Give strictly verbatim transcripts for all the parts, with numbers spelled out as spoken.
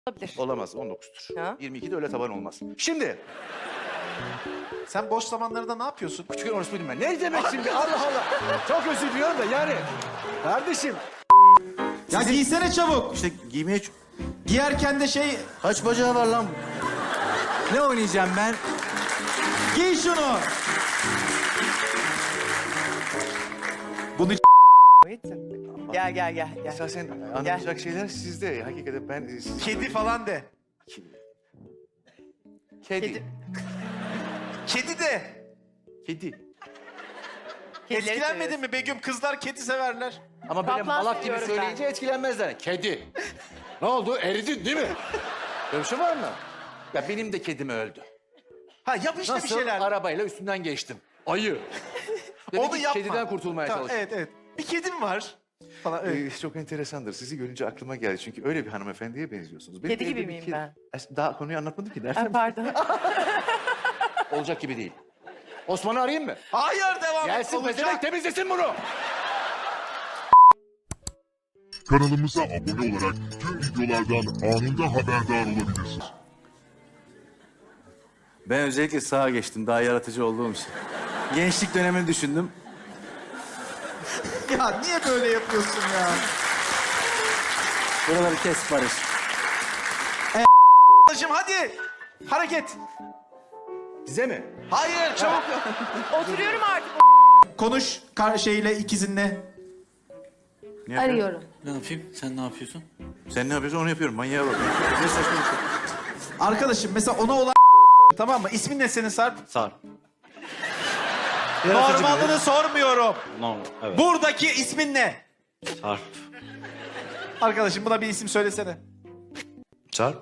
Olabilir. Olamaz, on dokuzdur. Ha? yirmi ikide öyle taban olmaz. Şimdi, Sen boş zamanlarında ne yapıyorsun? küçükken orospuydum ben. Ne demek şimdi? Allah Allah. Çok özür diliyorum da yani. Kardeşim. Ya giysene çabuk. İşte giymeye... ç- Giyerken de şey... Kaç bacağı var lan? Ne oynayacağım ben? Giy şunu. Bunu Muhittin. Gel gel gel. gel. Esasen anlatacak şeyler sizde. Hakikaten ben... e, siz- kedi falan de. Kedi. Kedi. Kedi de. Kedi. Kedileri Etkilenmedin seviyoruz. mi Begüm? Kızlar kedi severler. Ama böyle Kaplan malak gibi seviyorum söyleyince etkilenmezler. Kedi. Ne oldu? Eridin değil mi? Böyle bir şey var mı? Ya benim de kedim öldü. Ha yap işte Nasıl? bir şeyler. Arabayla üstünden geçtim. Ayı. Demek Onu ki yapma. kediden kurtulmaya Tamam, çalıştım. evet evet. Bir kedim var. Falan evet. Ee, çok enteresandır. Sizi görünce aklıma geldi. Çünkü öyle bir hanımefendiye benziyorsunuz. Benim Kedi evde gibi bir miyim kedi- ben? Es- Daha konuyu anlatmadım ki. Ha, Nereden? pardon. Olacak gibi değil. Osman'ı arayayım mı? Hayır devam et. Gelsin Olacak. pezevenk temizlesin bunu. Kanalımıza abone olarak tüm videolardan anında haberdar olabilirsiniz. Ben özellikle sağa geçtim. Daha yaratıcı olduğum için. Gençlik dönemini düşündüm. Ya niye böyle yapıyorsun ya? Buraları kes Barış. Arkadaşım hadi. Hareket. Bize mi? Hayır çabuk. Oturuyorum artık. Konuş kar şeyle ikizinle. Ne yapıyorsun? Arıyorum. Ne yapayım? Sen ne yapıyorsun? Sen ne yapıyorsun onu yapıyorum. Manyağa bak. Ne saçma bir şey. Arkadaşım mesela ona olan tamam mı? İsmin ne senin Sarp? Sarp. Normalini sormuyorum. No, evet. Buradaki ismin ne? Sarp. Arkadaşım buna bir isim söylesene. Sarp.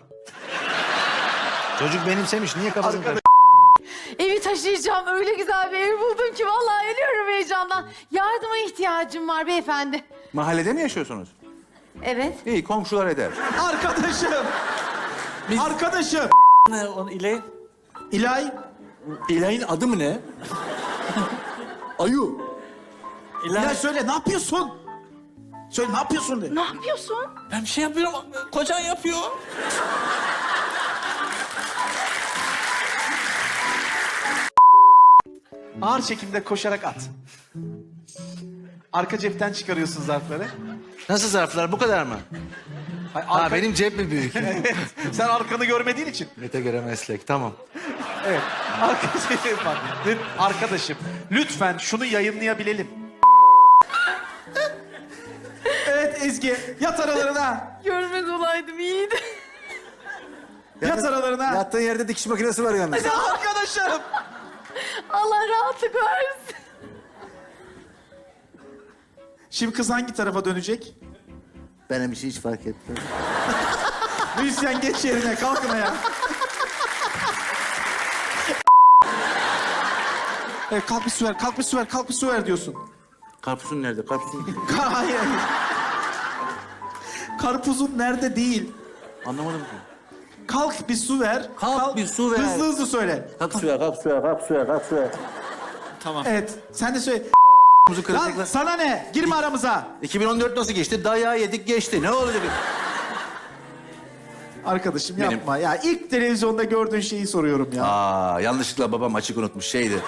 Çocuk benimsemiş. Niye kafasını Arkadaş- Evi taşıyacağım. Öyle güzel bir ev buldum ki vallahi ölüyorum heyecandan. Yardıma ihtiyacım var beyefendi. Mahallede mi yaşıyorsunuz? Evet. İyi, komşular eder. Arkadaşım. Arkadaşım. Ne onu ile? İlay. İlay'ın adı mı ne? Ayu. İlay söyle ne yapıyorsun? Söyle ne yapıyorsun de. Ne yapıyorsun? Ben bir şey yapıyorum. Kocan yapıyor. Ağır çekimde koşarak at. Arka cepten çıkarıyorsun zarfları. Nasıl zarflar? Bu kadar mı? Ay, Ha, arka- benim cep mi büyük? Sen arkanı görmediğin için. Mete göre meslek. Tamam. Evet. Arka cepte bak. Lüt- Arkadaşım lütfen şunu yayınlayabilelim. Evet Ezgi yat aralarına. Görmez olaydım iyiydi. Yat aralarına. Yattığın yerde dikiş makinesi var yalnız. Arkadaşım. Allah rahatlık versin. Şimdi kız hangi tarafa dönecek? Benim için hiç fark etmez. Müzisyen geç yerine kalkın ayağa. Evet, kalk bir su ver, kalk bir su ver, kalk bir su ver diyorsun. Karpuzun nerede? Karpuzun... Hayır. Karpuzun nerede değil. Anlamadım ki. Kalk bir su ver. Kalk bir su ver. Hızlı hızlı söyle. Kalk suya, kalk suya, kalk suya, kalk suya. Tamam. Evet, sen de söyle. Muzu Lan kıracaklar. sana ne? Girme aramıza. iki bin on dört nasıl geçti? Dayağı yedik geçti. Ne olacak? Arkadaşım Benim- yapma ya. İlk televizyonda gördüğün şeyi soruyorum ya. Aa, yanlışlıkla babam açık unutmuş şeydi.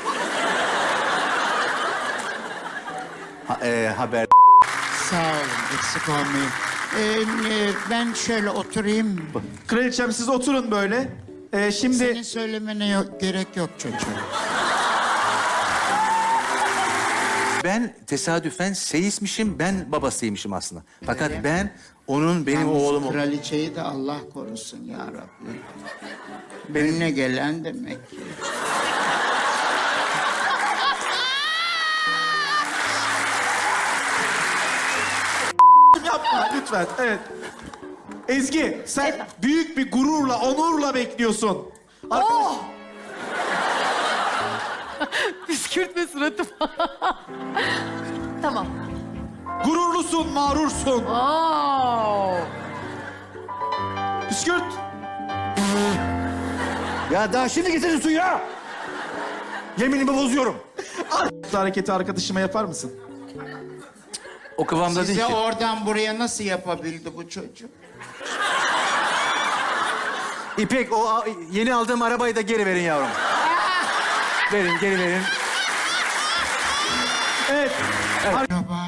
Ha, e, haber. Sağ olun, eksik olmayın. Ee, e, ben şöyle oturayım. Kraliçem siz oturun böyle. Ee, şimdi Senin söylemene yok, gerek yok çocuğum. Ben tesadüfen seyismişim, ben babasıymışım aslında. Fakat ben onun benim Yalnız oğlum... Kraliçeyi de Allah korusun ya Rabbi. Benimle gelen demek ki. yapma lütfen. Evet. Ezgi sen büyük bir gururla, onurla bekliyorsun. Arkadaş, Oh! Püskürtme suratıma. Tamam. gururlusun, mağrursun. Oo. Püskürt. Ya daha şimdi getirin suyu ya! Yeminimi bozuyorum. Bu hareketi arkadaşıma yapar mısın? O kıvamda değil Size ki. oradan buraya nasıl yapabildi bu çocuk? İpek o a- yeni aldığım arabayı da geri verin yavrum. Verin, geri verin. Evet. Araba.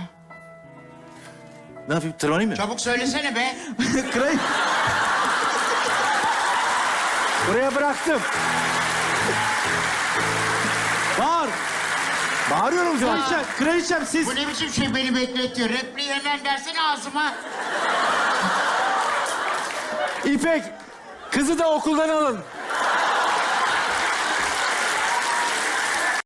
Ne yapayım, tırmanayım mı? Çabuk söylesene be. Kraliçem. Buraya bıraktım. Bağır. Bağırıyorum şu an. Kraliçem, kraliçem siz... Bu ne biçim şey beni bekletiyor? Repliği hemen versene ağzıma. İpek, kızı da okuldan alın.